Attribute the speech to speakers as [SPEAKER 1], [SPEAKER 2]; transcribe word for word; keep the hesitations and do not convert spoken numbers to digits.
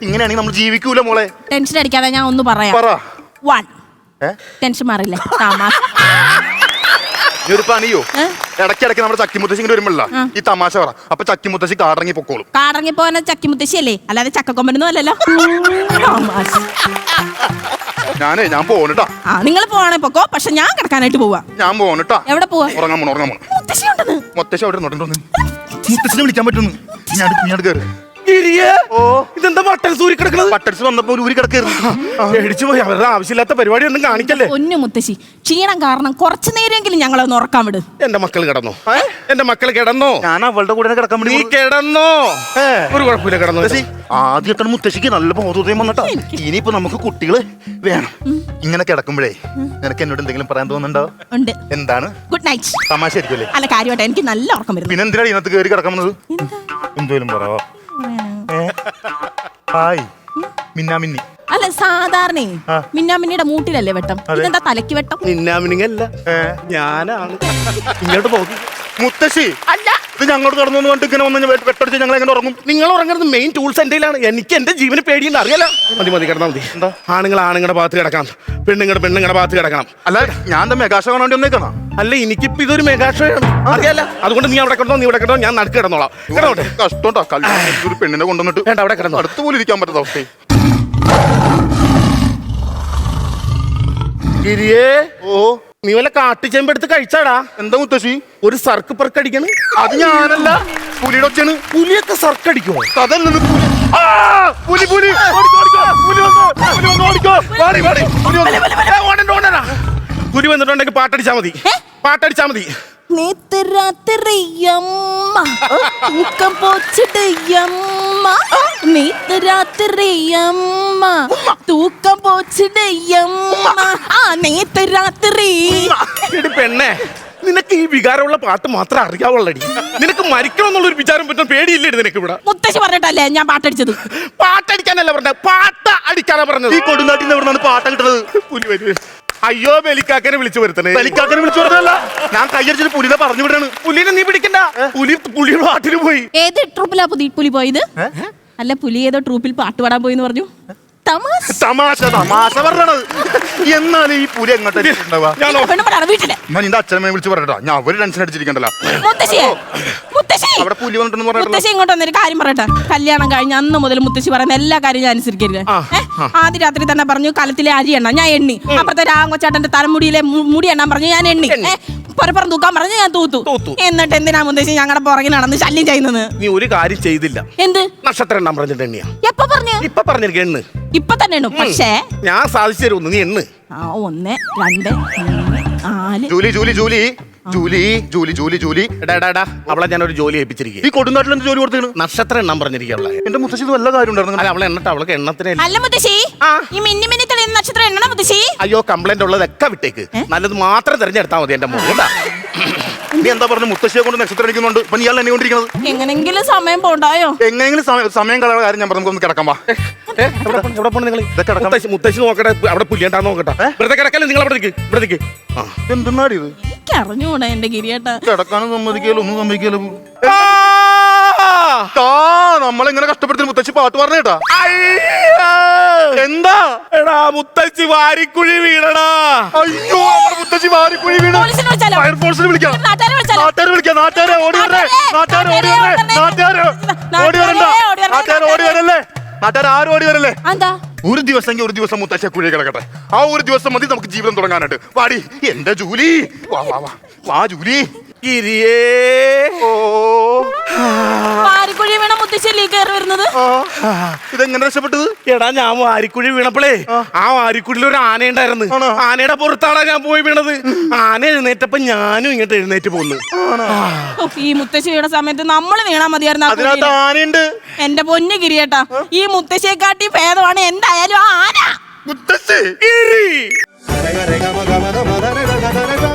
[SPEAKER 1] ഇങ്ങനെയാണെങ്കിൽ നമ്മൾ ജീവിക്കൂല മോളെ.
[SPEAKER 2] ടെൻഷൻ അടിക്കാതെ ഞാൻ ഒന്ന് പറയാം. വൺ ടെൻഷൻ മാറില്ല.
[SPEAKER 1] നീ ഒരു പണിയോ ഇടയ്ക്കിടയ്ക്ക് നമ്മുടെ ചക്കിമുത്തശ്ശി ഇങ്ങനെ വരുമ്പോഴല്ല ഈ തമാശ പറ. അപ്പൊ ചക്കിമുത്തശ്ശി കാടറങ്ങി പൊക്കോളും.
[SPEAKER 2] കാടറങ്ങി പോകുന്ന ചക്കിമുത്തശ്ശി അല്ലേ, അല്ലാതെ ചക്കക്കൊമ്പനൊന്നും അല്ലല്ലോ.
[SPEAKER 1] ഞാനേ ഞാൻ പോണിട്ടാ.
[SPEAKER 2] ആ നിങ്ങൾ പോവാണെ പൊക്കോ, പക്ഷെ ഞാൻ കിടക്കാനായിട്ട് പോവാ.
[SPEAKER 1] ഞാൻ പോണിട്ടാ.
[SPEAKER 2] എവിടെ പോവാ?
[SPEAKER 1] ഉറങ്ങാൻ പോണ ഉറങ്ങാൻ പോണ
[SPEAKER 2] മുത്തശ്ശി ഉണ്ടെന്ന്.
[SPEAKER 1] മുത്തശ്ശി അവിടെ മുത്തശ്ശിനെ വിളിക്കാൻ പറ്റുന്നു. ഞാൻ ഞാൻ കയറി.
[SPEAKER 3] ഇതെന്താ ബട്ടൺ സൂരി കിടക്കുന്നത്?
[SPEAKER 1] ബട്ടൺസ് വന്നപ്പോ ഒരു ഊരി കിടക്കായിരുന്നു.
[SPEAKER 3] പേടിച്ചു പോയി. അവരുടെ ആവശ്യമില്ലാത്ത പരിപാടി ഒന്നും കാണിക്കല്ലേ.
[SPEAKER 2] പൊന്നു മുത്തശ്ശി, ക്ഷീണം കാരണം കുറച്ചു നേരമെങ്കിലും ഞങ്ങളെ ഒന്ന് ഉറക്കാൻ വിട്.
[SPEAKER 3] എന്റെ മക്കൾ കിടന്നോ? എന്റെ മക്കൾ കിടന്നോ?
[SPEAKER 1] ഞാൻ അവളുടെ കൂടെ കിടക്കാൻ വേണ്ടി.
[SPEAKER 3] നീ കിടന്നോ? ഒരു കുഴപ്പമില്ല, കിടന്നോ.
[SPEAKER 1] ആദ്യമായിട്ടാണ് മുത്തശ്ശിക്ക് നല്ല ബോധോദയം വന്നിട്ടാ. ഇനിയിപ്പോ നമുക്ക് കുട്ടികള് വേണം. ഇങ്ങനെ കിടക്കുമ്പോഴേ നിനക്ക് എന്നോട് എന്തെങ്കിലും പറയാൻ തോന്നുന്നുണ്ടോ?
[SPEAKER 2] ഉണ്ട്.
[SPEAKER 1] എന്താണ്?
[SPEAKER 2] Good night.
[SPEAKER 1] തമാശ ആയിരിക്കുമല്ലേ?
[SPEAKER 2] അല്ല, കാര്യമായിട്ട് എനിക്ക് നല്ല ഉറക്കം വരുന്നു.
[SPEAKER 1] പിന്നെ എന്തിനാണ് ഇതിനകത്ത് കയറി കിടക്കുന്നത്? എന്തോലും പറയാ. ഹായ് മിന്നാമിന്നി.
[SPEAKER 2] അല്ല, സാധാരണ മിന്നാമിന്നിയുടെ മൂട്ടിലല്ലേ വെട്ടം, ഇതെന്താ തലയ്ക്ക് വെട്ടം?
[SPEAKER 3] മിന്നാമിനിങ്ങല്ല, ഞാനാണ്. ഇങ്ങോട്ട് പോകും
[SPEAKER 1] മുത്തശ്ശി.
[SPEAKER 2] അല്ല,
[SPEAKER 1] ഇത് ഞങ്ങളോട് കടന്നു കണ്ടിട്ട് ഇങ്ങനെ വന്ന് വെട്ടടിച്ച് ഞങ്ങൾ എങ്ങനെ ഉറങ്ങും?
[SPEAKER 3] നിങ്ങൾ ഉറങ്ങുന്നത് മെയിൻ ടൂൾസ് എന്റെയിലാണ്. എനിക്ക് എന്റെ ജീവന് പേടിയുണ്ട്, അറിയാലോ. മതി മതി, കിടന്നാൽ മതി. എന്താ ആണുങ്ങൾ ആണുങ്ങളുടെ ഭാഗത്ത് കിടക്കാം, പെണ്ണുങ്ങളുടെ പെണ്ണുങ്ങളുടെ ഭാഗത്ത് കിടക്കണം.
[SPEAKER 1] അല്ല, ഞാൻ എന്താ മെഗാ ഷോ കാണാൻ വന്നേക്കണം?
[SPEAKER 3] അല്ല, എനിക്കിപ്പോ ഇതൊരു മെഗാ ഷോ ആണ്, അറിയാലോ. അതുകൊണ്ട് നീ അവിടെ കിടന്നോ, നീ ഇവിടെ കിടന്നോ, ഞാൻ നടുക്ക് കിടന്നോളാം. കിടന്നോട്ടെ.
[SPEAKER 1] കഷ്ടോട്ടാ, കല്യാണം ഒരു പെണ്ണിനെ കൊണ്ടുവന്നിട്ട്
[SPEAKER 3] വേണ്ട, അവിടെ കിടന്നോ.
[SPEAKER 1] അടുത്ത് പോലും ഇരിക്കാൻ പറ്റാത്ത അവസ്ഥ.
[SPEAKER 3] ഗിരിയേ, ഓ നീ വല്ല കാട്ടുചെമ്പ് എടുത്ത് കഴിച്ചാടാ?
[SPEAKER 1] എന്താ മുത്തശ്ശി?
[SPEAKER 3] ഒരു സർക്ക് പെർക്കടിക്കണം.
[SPEAKER 1] അത് ഞാനല്ല, പുലിയുടെ ഒച്ചയാണ്.
[SPEAKER 3] പുലിയൊക്കെ സർക്ക് അടിക്കുമോ?
[SPEAKER 1] അതല്ല പുലി. പുലി
[SPEAKER 3] പുലി വന്നിട്ടുണ്ടെങ്കിൽ പാട്ടടിച്ചാ മതി, പാട്ടടിച്ചാ മതി.
[SPEAKER 2] നേത്തരാത്രിയമ്മ തൂക്കം പോച്ചിടയമ്മ, നേത്തരാത്രിയമ്മ തൂക്കം പോച്ചിടയമ്മ, ആ നേത്തരാത്രി.
[SPEAKER 3] പെണ്ണെ, നിനക്ക് ഈ വികാരമുള്ള പാട്ട് മാത്രം അറിയാവുള്ളടി. നിനക്ക് മരിക്കണം എന്നുള്ളൊരു വിചാരം പറ്റും പേടിയില്ലേ നിനക്ക്? ഇവിടെ
[SPEAKER 2] മുത്തശ്ശി പറഞ്ഞിട്ടല്ലേ ഞാൻ പാട്ടടിച്ചത്?
[SPEAKER 3] പാട്ടടിക്കാനല്ല പറഞ്ഞത്, പാട്ട അടിക്കാനാ പറഞ്ഞത്.
[SPEAKER 1] ഈ കൊടുങ്കാട്ടിൽ നിന്ന് എവിടെയാണ് പാട്ട കിട്ടത്?
[SPEAKER 3] പുലി വരും. അയ്യോ, ബലിക്കാക്കനെ വിളിച്ചു വരുത്തണേ.
[SPEAKER 1] ബലിക്കാക്കനെ വിളിച്ചു വരുത്തല്ല, ഞാൻ കയ്യടിച്ചിട്ട് പുലിനെ പറഞ്ഞു വിടാണ്.
[SPEAKER 3] പുലിനെ നീ പിടിക്കണ്ട, പുലി പുലിയുടെ പാട്ടിന് പോയി.
[SPEAKER 2] ഏത് ട്രൂപ്പിലാ പുലി പോയത്? അല്ല, പുലി ഏതോ ട്രൂപ്പിൽ പാട്ട് പാടാൻ പോയി എന്ന് പറഞ്ഞു.
[SPEAKER 1] തമാശ തമാശ പറഞ്ഞത്. എന്നാലും ഈ പുലി എങ്ങോട്ടാ
[SPEAKER 2] വീട്ടില്
[SPEAKER 1] ഞാൻ നിന്റെ അച്ഛനെ വിളിച്ച് പറയട്ടാ. ഞാൻ അവര് ടെൻഷൻ അടിച്ചിരിക്കണ്ടല്ലോ. അവിടെ പുലി വന്നിട്ടെന്ന്
[SPEAKER 2] മുത്തശ്ശി ഇങ്ങോട്ട് വന്നൊരു കാര്യം പറയട്ടെ. കല്യാണം കഴിഞ്ഞ അന്ന് മുതൽ മുത്തശ്ശി പറയുന്ന എല്ലാ കാര്യം ഞാൻ അനുസരിക്കരുത്. ആദ്യ രാത്രി തന്നെ പറഞ്ഞു കലത്തിലെ അരി എണ്ണ, ഞാൻ എണ്ണി. അപ്പുറത്തെ രാഘവച്ചാട്ടന്റെ തലമുടിയിലെ മുടി എണ്ണാൻ പറഞ്ഞു, ഞാൻ എണ്ണി. പരപ്പുറം തൂക്കാൻ പറഞ്ഞു, ഞാൻ തൂത്തു. എന്നിട്ട് എന്തിനാ മുത്തശ്ശി ഞങ്ങളുടെ പുറകിൽ നടന്ന് ശല്യം ചെയ്യുന്നത്?
[SPEAKER 3] നീ ഒരു കാര്യം ചെയ്തില്ല. എന്ത്? നക്ഷത്രം എണ്ണാൻ പറഞ്ഞിട്ട് എണ്ണിയാ? എപ്പോ പറഞ്ഞു? ഇപ്പൊ പറഞ്ഞിരിക്കും, എണ്ണ്. ഇപ്പൊ തന്നെ എണ്ണു. പക്ഷേ ഞാൻ സാധിച്ചു തരുന്നു, നീ എണ്ണ്.
[SPEAKER 2] ആ, ഒന്ന് രണ്ട് മൂന്ന് നാല്.
[SPEAKER 1] Julie Julie Julie Julie Julie Julie Julie
[SPEAKER 3] എടാ, അവളെ ഞാൻ ഒരു ജോലി ഏൽപ്പിച്ചിരിക്കും.
[SPEAKER 1] ഈ കൊടുങ്കാട്ടിൽ എന്ത് ജോലി കൊടുത്തു?
[SPEAKER 3] നക്ഷത്രം എണ്ണാൻ പറഞ്ഞിരിക്കുക.
[SPEAKER 1] എന്റെ മുത്തശ്ശി വല്ല കാര്യം ഉണ്ടായിരുന്നു.
[SPEAKER 3] അല്ല, അവളെ എണ്ണട്ടെ, അവൾക്ക് എണ്ണത്തിന്.
[SPEAKER 2] അല്ല മുത്തശ്ശി, ഈ മിന്നി മിന്നി തെളിയുന്ന നക്ഷത്രം എണ്ണണം മുത്തശ്ശി.
[SPEAKER 3] അയ്യോ, കംപ്ലൈന്റ് ഉള്ളതൊക്കെ വിട്ടേക്ക്, നല്ലത് മാത്രം തിരഞ്ഞെടുത്താൽ മതി. എന്റെ മോൻ
[SPEAKER 1] നീ എന്താ പറഞ്ഞു? മുത്തശ്ശിയെ കൊണ്ട് നക്ഷത്രം അടിക്കുന്നുണ്ട്. ഇപ്പൊ നീ എന്നെ കൊണ്ടിരിക്കുന്നത്
[SPEAKER 2] എങ്ങനെങ്കിലും സമയം പോണ്ടായോ?
[SPEAKER 1] എങ്ങനെങ്കിലും സമയം കളയുന്ന കാര്യം ഞാൻ പറഞ്ഞു. കിടക്കാൻ വാ.
[SPEAKER 3] മുത്തശ്ശി നോക്കട്ടെ, അവിടെ പുല്ലിയണ്ടാന്ന് നോക്കട്ടെ. വെറുതെ കിടക്കല്ലേ, നിങ്ങൾ അവിടെ നിൽക്ക്, ഇവിടെ നിൽക്ക്.
[SPEAKER 1] എന്തെന്നാടി ഇത്?
[SPEAKER 2] എനിക്ക് അറിഞ്ഞൂടാ എന്റെ ഗിരിയേട്ടാ.
[SPEAKER 1] കിടക്കാനും സമ്മതിക്കല്ലോ, ഒന്നും സമ്മതിക്കല്ലോ. നമ്മളിങ്ങനെ കഷ്ടപ്പെടുത്തി മുത്തശ്ശി പാട്ട് പറഞ്ഞേട്ടാ. എന്താ
[SPEAKER 3] എടാ, മുത്തശ്ശി വാരിക്കുഴി വീണടാ.
[SPEAKER 1] അയ്യോ, മുത്തശ്ശി വാരിക്കുഴി വീണ. ഫയർഫോഴ്സിനെ വിളിക്കാം. നാട്ടുകാരെ വിളിക്കാം. നാട്ടുകാരെ ഓടി വരേ. നാട്ടുകാരെ ഓടി വരേ. നാട്ടുകാരെ ഓടി വരണ്ട. നാട്ടുകാരെ ഓടി വരല്ലേ. നാട്ടുകാർ ആരും ഓടി വരല്ലേ. ഒരു ദിവസം ഒരു ദിവസം മുത്തശ്ശി കുഴി കിടക്കട്ടെ. ആ ഒരു ദിവസം മതി നമുക്ക് ജീവിതം തുടങ്ങാനായിട്ട്. വാടി എന്റെ ജൂലി. വാ വാ വാ വാ ജൂലി.
[SPEAKER 3] ഗിരിയേ,
[SPEAKER 1] ഓ
[SPEAKER 2] വാരിക്കുഴി വീണ മുത്തശ്ശിയല്ലേ കയറി വരുന്നത്?
[SPEAKER 1] ഇതെങ്ങനെ രക്ഷപ്പെട്ടത്?
[SPEAKER 3] എടാ, ഞാൻ വാരിക്കുഴി വീണപ്പോഴേ ആ വാരിക്കുഴിയിൽ ഒരു ആന ഉണ്ടായിരുന്നു. ആനയുടെ പുറത്താടാ ഞാൻ പോയി വീണത്. ആന എഴുന്നേറ്റപ്പോ ഞാനും ഇങ്ങോട്ട് എഴുന്നേറ്റ് പോന്നു.
[SPEAKER 2] ഈ മുത്തശ്ശി വീണ സമയത്ത് നമ്മള് വീണാ മതിയായിരുന്നു.
[SPEAKER 1] അതിനകത്ത് ആനയുണ്ട്.
[SPEAKER 2] എന്റെ പൊന്നു ഗിരിയേട്ടാ, ഈ മുത്തശ്ശിയെ കാട്ടി ഭേദമാണ് എന്തായാലും ആ ആന.
[SPEAKER 1] മുത്തശ്ശി